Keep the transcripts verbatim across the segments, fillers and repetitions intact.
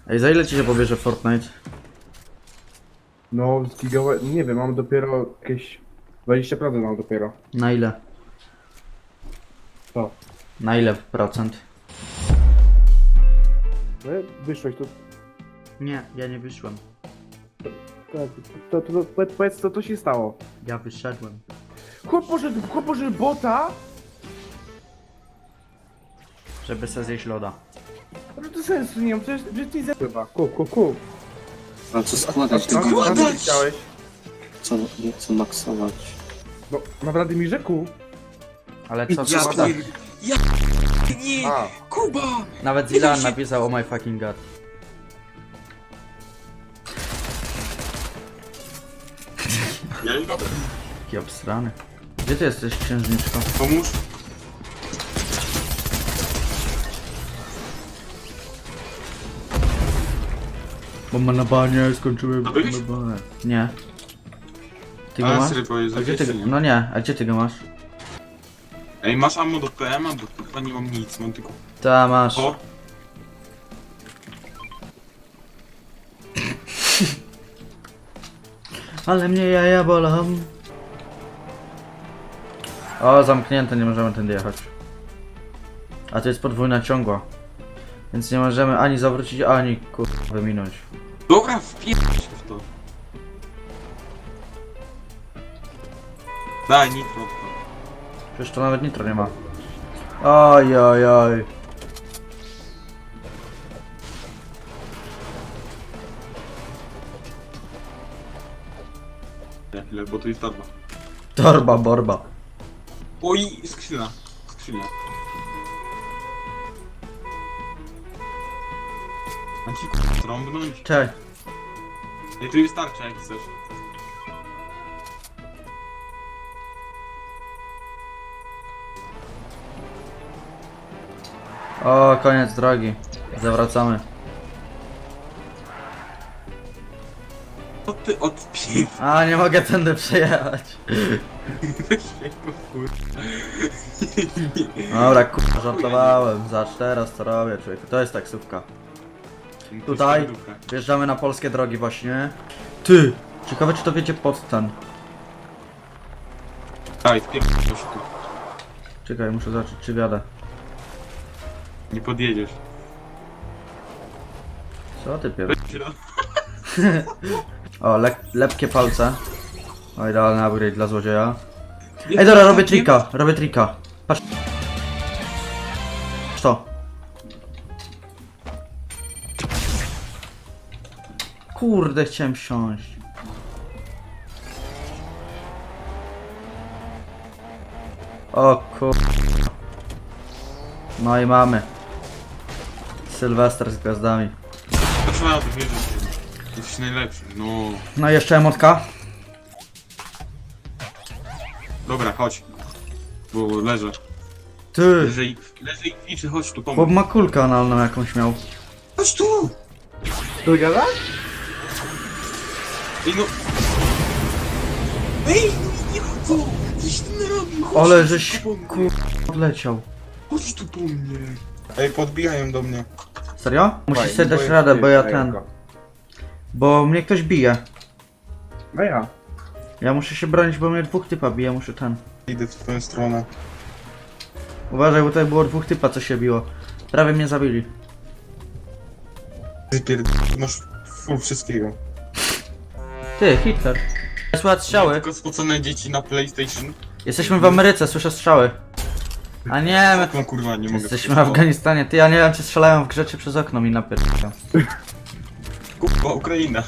Ej, za ile ci się pobierze Fortnite? No, z gigabyte, nie wiem, mam dopiero jakieś dwadzieścia procent mam dopiero. Na ile? Co? Na ile procent? No, wyszłeś, to, Nie, ja nie wyszłem. to, to, to, to powiedz co to się stało. Ja wyszedłem. Chłop poszedł, chłop poszedł bota, Żeby sobie zjeść loda. ale to sensu nie mam, przecież, przecież ty zepływa. Kup, kup, kup. A co składać A- a- tego? a- a co ty chciałeś? Co, nie chcę maksować. No, naprawdę mi rzekł. Ale co, Ja co? pier... Ja nie! A, Kuba! Nawet Zilan napisał oh my fucking god. Jaki obstrany. Gdzie ty jesteś, księżniczko? Pomóż. Bomba na banie, skończyłem bombę byłeś? na banie. Nie. Ty go A masz? serio powiedz, A gdzie ty go? nie? No nie, a gdzie ty go masz? Ej, masz ammo do P M a? Bo chyba nie mam nic, mam tylko... Ta masz. O! Ale mnie jaja bolą. O, zamknięte, nie możemy tędy jechać. A to jest podwójna ciągła. Więc nie możemy ani zawrócić, ani kur... wyminąć. Dobra, wpierdź się w to. Daj, nitro. Przecież to nawet nitro nie ma. Oj, oj, oj. Na chwilę, bo tu jest torba. Torba, borba. Oj, skrzynia. Skrzynia. Mam ci k***a trąbnąć? Cześć. Ej, tu jest tarcza jak chcesz. O, koniec drogi. Zawracamy. Co ty odpił? A, nie mogę tędy przejechać. Dobra, kurwa, żartowałem. Zacz teraz co robię, człowieku. To jest taksówka. Tutaj wjeżdżamy na polskie drogi właśnie. Ty! Ciekawe czy to wiecie pod ten. Daj, wpierdź się tu. Czekaj, muszę zobaczyć czy wiadę. Nie podjedziesz. Co ty pier... Weź się do- O, le lepkie palce. O, idealny upgrade dla złodzieja. Ej, dobra, robię trika, robię trika. Patrz. Patrz to. Kurde, chciałem wsiąść. O kur... No i mamy. Sylwester z gwiazdami. To trzeba tu wierzyć. Jesteś najlepszy, no. No i jeszcze emotka. Dobra, chodź. Bo leżę. Ty! Leżę i, leżę i kwiczy, chodź tu, Chłop pomóż. ma kulkę analną jakąś miał. Chodź tu! tu gadasz? Ej no! Ej, no nie ma co! Coś ty narobił! Chodź Ale tu żeś po mnie. kur... odleciał. Chodź tu po mnie! Ej, podbijają do mnie. Serio? Musisz Słuchaj, sobie dać boję radę, się, bo ja daj ten... go. Bo mnie ktoś bije. No ja. Ja muszę się bronić, bo mnie dwóch typa bije, muszę ten... Idę w twoją stronę. Uważaj, bo tutaj było dwóch typa, co się biło. Prawie mnie zabili. Ty pierd... masz full wszystkiego. Ty, Hitler. Słychać strzały. Tylko spocone dzieci na PlayStation. Jesteśmy w Ameryce, słyszę strzały. A nie, my... No kurwa, nie mogę. Jesteśmy w Afganistanie. Ty, ja nie wiem, czy strzelają w grze, czy przez okno mi napierdolą. Kurwa, Ukraina.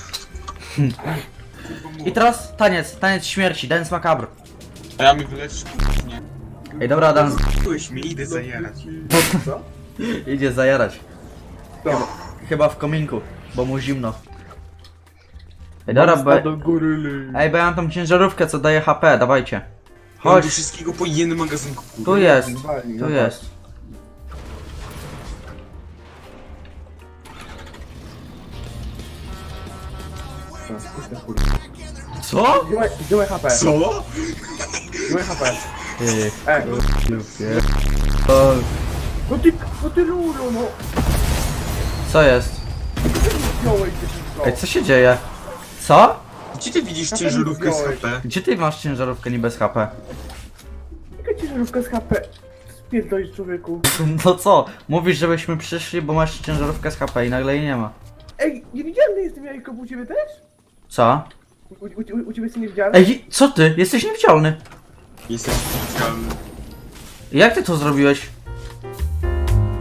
I teraz taniec, taniec śmierci, dance macabre. A ja mi wyleczysz, nie. Ej, dobra, Dan. Byłeś mi, idę zajarać. Co? Idzie zajarać. To. Chyba w kominku, bo mu zimno. Ej, dobra, bo... do góry ly. Ej, bo ja mam tą ciężarówkę, co daje H P, dawajcie. Mam Chodź, do wszystkiego po jednym magazynku, kurwa. tu jest, Walnij, tu no jest. tak. Puść ten kurwa. Co? Zdjąłeś- Zdjąłeś H P. Co? Zdjąłeś H P. Ty, E, o, no ty, no ty lulo, no. co jest? No ty wziąłeś dziewczynko? Ej, co się dzieje? Co? Gdzie ty widzisz Na ciężarówkę z pewno H wziąłeś. P? Gdzie ty masz ciężarówkę niby z H P? Jaka ciężarówka z H P? Spierdolisz, człowieku. No co? Mówisz, żebyśmy przyszli, bo masz ciężarówkę z H P i nagle jej nie ma. Ej, niewidzialny jestem jajko, u ciebie też? Co? U, u, u, u ciebie jestem niewidzialny? Ej, co ty? Jesteś niewidzialny. Jesteś specjalny. Jak ty to zrobiłeś?